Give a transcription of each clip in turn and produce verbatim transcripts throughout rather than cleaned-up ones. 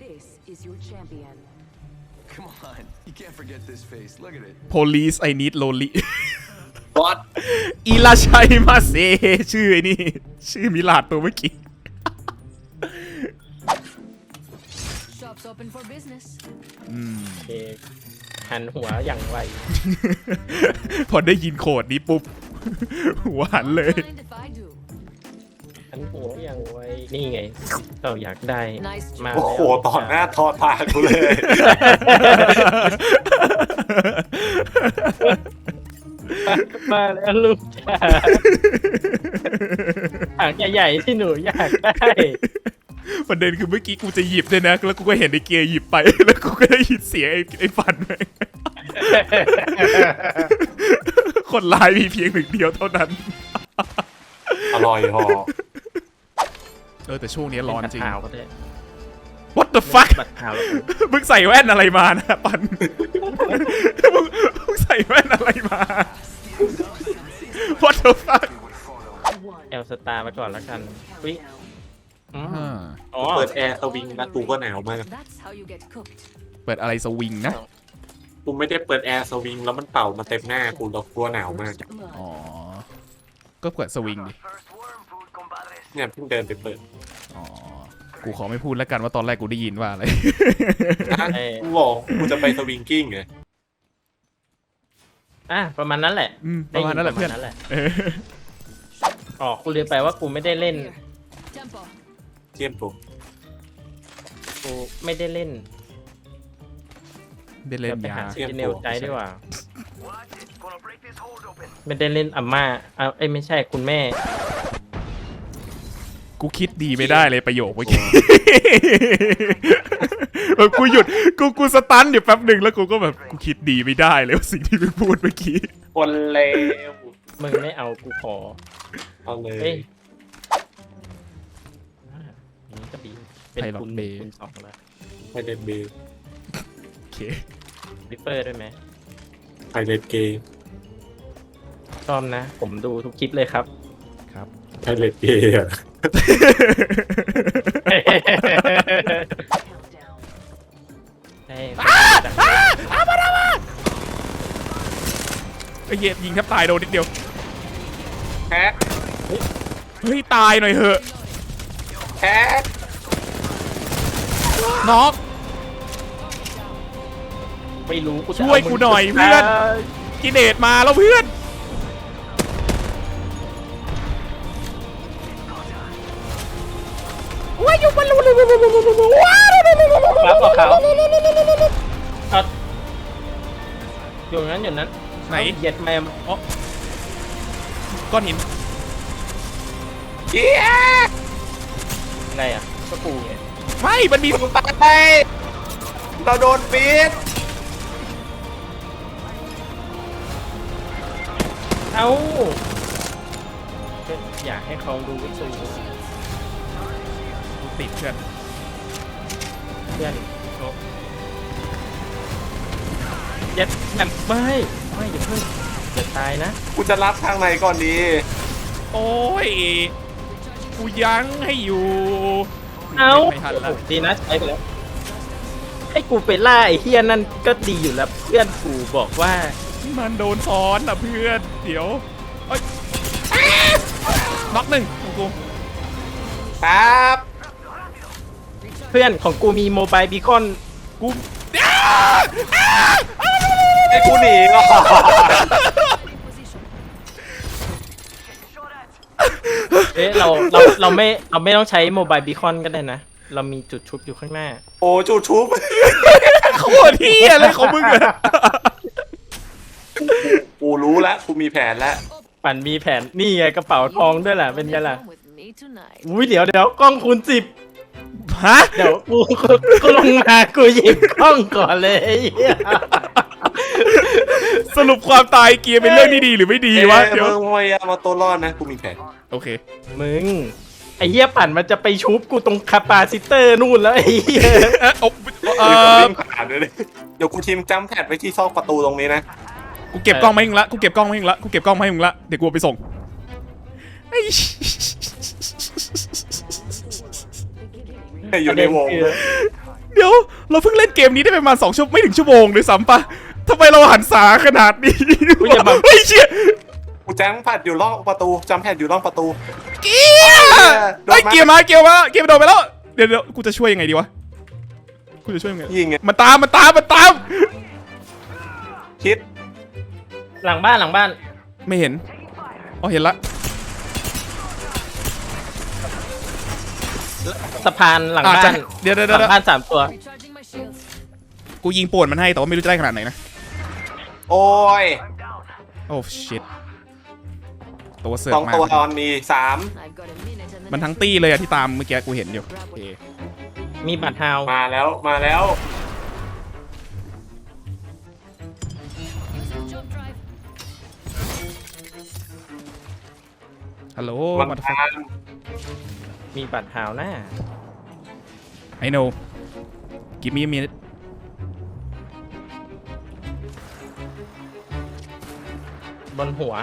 Come on, you can't forget this face. Look at it. Police I need lonely What อิราชัยมาเซชื่อไอ้นี่ชื่อมิลาดตัวเมื่อกี้ Shops open for business. โอเคหันหัวอย่างไวพอได้ยินโคดนี้ปุ๊บ หัวหันเลย Mind if I do? หันหัวอย่างไวนี่ไงเราอยากได้มาโอ้โหต่อหน้าทอตากูเลยมาแล้วลูกจ้าถังใหญ่ๆที่หนูอยากได้ประเด็นคือเมื่อกี้กูจะหยิบด้วยนะแล้วกูก็เห็นไอ้เกียร์หยิบไป แล้วกูก็ได้ยินเสียงไอ้ไอ้ฟันไป คนร้ายมีเพียงหนึ่งเดียวเท่านั้นอร่อยหอเออแต่ช่วงนี้ร้อนจริงขาวก็ได้ What the fuck บัตรขาวแล้วมึงใส่แว่นอะไรมานะปัน มึงมึงใส่แว่นอะไรมา What the fuck แอลสตาร์มาก่อนแล้วกันวิอ๋อเปิดแอร์สวิงนะกูก็หนาวมาก That's how you get cooked. เปิดอะไรสวิงนะกูไม่ได้เปิดแอร์สวิงแล้วมันเป่ามาเต็มหน้ากูแล้วกูหนาวมากอ๋อ ก็เปิดสวิงดิเนี่ยเพิ่งเดินไปเปิดอ๋อ กูขอไม่พูดแล้วกันว่าตอนแรกกูได้ยินว่าอะไรนะกูบอกกูจะไปสวิงกิ้งไงอ่ะประมาณนั้นแหละอืมประมาณนั้นแหละเพื่อนได้ยิประมาณนั้นแหละเอออ๋อกูเรียนไปว่ากูไม่ได้เล่น Tempo. เทียมผมกูไม่ได้เล่นได้เล่นดี๋วไปยาหาซีเนลใจดีกว่าไม่ได้เล่นอาม่าเอาเอ้ยไม่ใช่คุณแม่กูคิดดีไม่ได้เลยประโยคเมื่อกี้ แบบกูหยุด กูกูสตันอยู่แป๊บหนึ่งแล้วกูก็แบบกูคิดดีไม่ได้เลยว่าสิ่งที่มึงพูดเมื่อกี้คนเลวมึงไม่เอากูขอเอาเลเฮ้ยยอ่าอย่างนี้ก็ดีเป็นคุณคุณสองแล้วไพเรตเบย์โอเคริปเปอร์ด้วยไหมไพเรตเกย์ชอบนะ ผมดูทุกคลิปเลยครับครับไพเรตเกย์อะให้ไอ้เหี้ยยิงแทบตายโดนนิดเดียวแฮกเฮ้ยตายหน่อยเหอะแฮกน็อกไม่รู้กูจะช่วยกูหน่อยเพื่อน กินเดตมาแล้วเพื่อนว้าอยู่บนลูลูลูลูลูลูลูว้าครับบอกเขาเอาอยู่นั้นอยู่นั้นไหนเหยียดแมมก้อนหินเจี๊ยบไงอ่ะก็ปูไงไม่มันมีมึงตายเราโดนฟีดเอ้าก็อยากให้เขาดูสูติดเพื่อนเพื่อนโอ้เหยียดแมมไม่ไม่อย่าเพิ่งอย่าตายนะกูจะรับทางไหนก่อนดีโอ้ยกูยั้งให้อยู่เอ้าไม่ทันละดีนะใช้ไปแล้วให้กูไปล่าไอ้เฮียนั่นก็ดีอยู่แล้วเพื่อนกูบอกว่ามันโดนซ้อนอ่ะเพื่อนเดี๋ยวเอ้ยน็อกหนึ่งของกูครับเพื่อนของกูมีโมบายบีคอนกูไอ้กูหนีก่อนเอ๊ะเราเราเราไม่เราไม่ต้องใช้โมบายบีคอนก็ได้นะ เรามีจุดชุบอยู่ข้างหน้าโอ้จูชุบโคตรเฮียอะไรของมึงอะกูรู้แล้วกูมีแผนแล้วปั่นมีแผนนี่ไงกระเป๋าทองด้วยแหละเป็นไงล่ะ Come with me tonight. อุ้ยเดี๋ยวเดี๋ยวกล้องคูณสิบฮะเดี๋ยวกูกูกูลงมากูหยิบกล้องก่อนเลยไอ้เหี้ยสรุปความตายเกียร์เป็นเรื่องที่ดีหรือไม่ดีวะเอ้เดี๋ยยว มึงพยายามมาตัวรอดนะกูมีแผนโอเคมึงไอ้เหี้ยปั่นมันจะไปชุบกูตรงคาปาซิเตอร์นู่นแล้วไอ้เหี้ยเอะเอาเอเออผ่านเลยเดี๋ยวกูทีมจำแพดไว้ที่ซอกประตูตรงนี้นะกูเก็บกล้องมาให้มึงละกูเก็บกล้องมาให้มึงละกูเก็บกล้องมาให้มึงละเดี๋ยวกูเอาไปส่งไอ้อยู่ในวงประเด็นคือเดี๋ยวเราเพิ่งเล่นเกมนี้ได้ประมาณสองชั่วไม่ถึงชั่วโมงด้วยซ้ำปะทำไมเราหันษาขนาดนี้เฮ้ยเชี่ยกูแจ้งแพดอยู่ล่องประตูจำแพดอยู่ล่องประตูเกียร์ไอ้เกียร์มาเกียร์มาเกียร์โดนไปแล้วเดี๋ยวเดี๋ยวกูจะช่วยยังไงดีวะกูจะช่วยยังไงยิงไงมันตามมันตามมันตามคิดหลังบ้านหลังบ้านไม่เห็นอ๋อเห็นละสะพานหลังอ่ะบ้าจะนเดี๋ยวเดี๋ยวหลัเดี๋ยวงบ้านสามตัว Recharging my shields. กูยิงป่วนมันให้แต่ว่าไม่รู้จะได้ขนาดไหนนะโอ้ยโอ้ชิตตัวเสือสกองมากตัวตอนมีสาม I've got a minute and the มันทั้ง next ตี้เลยอะที่ตามเมื่อกี้กูเห็นอยู่โอเคมีบัตรฮาวมาแล้วมาแล้ว Using jump drive. ฮัลโหลมันมาตามมีบัตรฮาวหน้าไอโน่กิมมี่มีบนหัว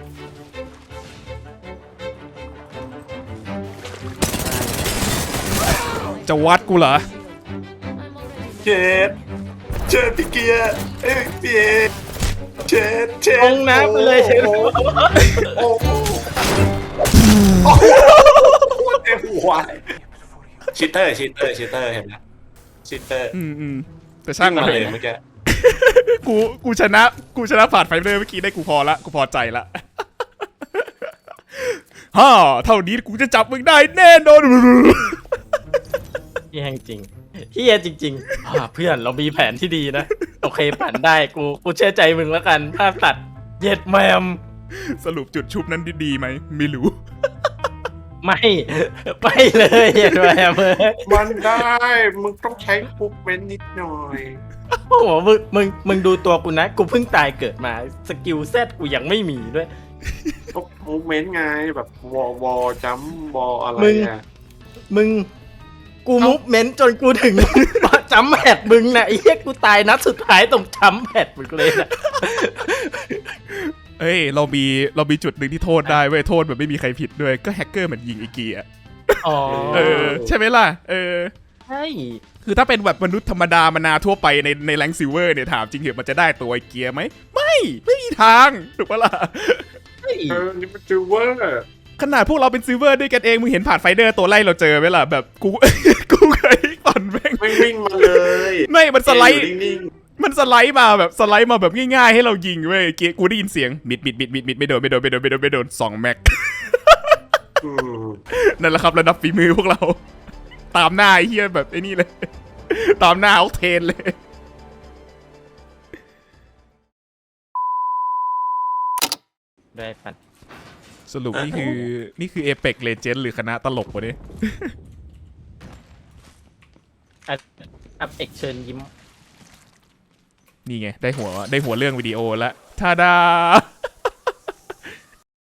จะวัดกูเหรอ I'm already เจ็ดเจ็ดพี่เกียร์เอ้ยพี่เอเจ็ดเจ็ดลงน้ำไปเลยเชฟโอ้โหโอ้โหเต็มหัวชิตเตอร์ชิตเตอร์ชิตเตอร์เห็นไหมชิตเตอร์อืมอืมแต่ช่างมามันเลยเมื่อกี้กูกูชนะกูชนะผ่านไฟเลยเมื่อกี้ได้กูพอละกูพอใจละ ฮ่าเท่านี้กูจะจับมึงได้แน่นอนเฮียจริงเฮียจริงๆอ่าเพื่อนเรามีแผนที่ดีนะ โอเคผ่านได้กูกูเชื่อใจมึงแล้วกันภาพตัดเย็ดแมมสรุปจุดชุบนั้นดีๆไหมไม่รู้ไม่ไปเลยเย็ดแมมเลยมันได้มึงต้องใช้ปุ๊บเว้นนิดหน่อยโอ้โหมึงมึงมึงดูตัวกูนะ กูเพิ่งตายเกิดมาสกิลเซตกูยังไม่มีด้วยก็มูเมนต์ไงแบบวอวอจัมวออะไรมึงอ่ะมึงกูมุฟเมนต์จนกูถึง จัมแพดมึงนะไอ้เหี้ยกูตายนัดสุดท้ายตรงจัมแพดมึงเลยนะเอ้ยเรามีเรามีจุดหนึ่งที่โทษได้เว้ยโทษแบบไม่มีใครผิดด้วยก็แฮกเกอร์มันยิงไอีเกียร์อ๋อเออใช่ไหมล่ะเออใช่คือถ้าเป็นแบบมนุษย์ธรรมดามานาทั่วไปในในแรงซิลเวอร์เนี่ยถามจริงเหรอมันจะได้ตัวไอเกียร์ไหมไม่ไม่มีทางถูกปะล่ะใช่เออนี่มันจูเวอร์ขนาดพวกเราเป็นซิลเวอร์ด้วยกันเองมึงเห็นผ่านไฟเดอร์ตัวไล่เราเจอไหมล่ะแบบกู กูเคยปั่นแม่งไม่วิ่งมาเลยไม่มันสไลด์อยู่นิ่งมันสไลด์มาแบบสไลด์มาแบบง่ายๆให้เรายิงเว้ยเกียร์กูได้ยินเสียงมิดมิดมิดมิดมิดไม่โดนไม่โดนไม่โดนไม่โดนไม่โดนสองแม็กๆอืมนั่นแหละครับระดับฝีมือพวกเรา ตามหน้าไอ้เฮียแบบไอ้นี่เลย ตามหน้าเอาเทนเลยได้ปันสรุปนี่คือนี่คือเอเปกเลเจนด์หรือคณะตลกวะเนี่ยอัพอัพเอกเชิญยิ้มนี่ไงได้หัวได้หัวเรื่องวิดีโอแล้วทาดา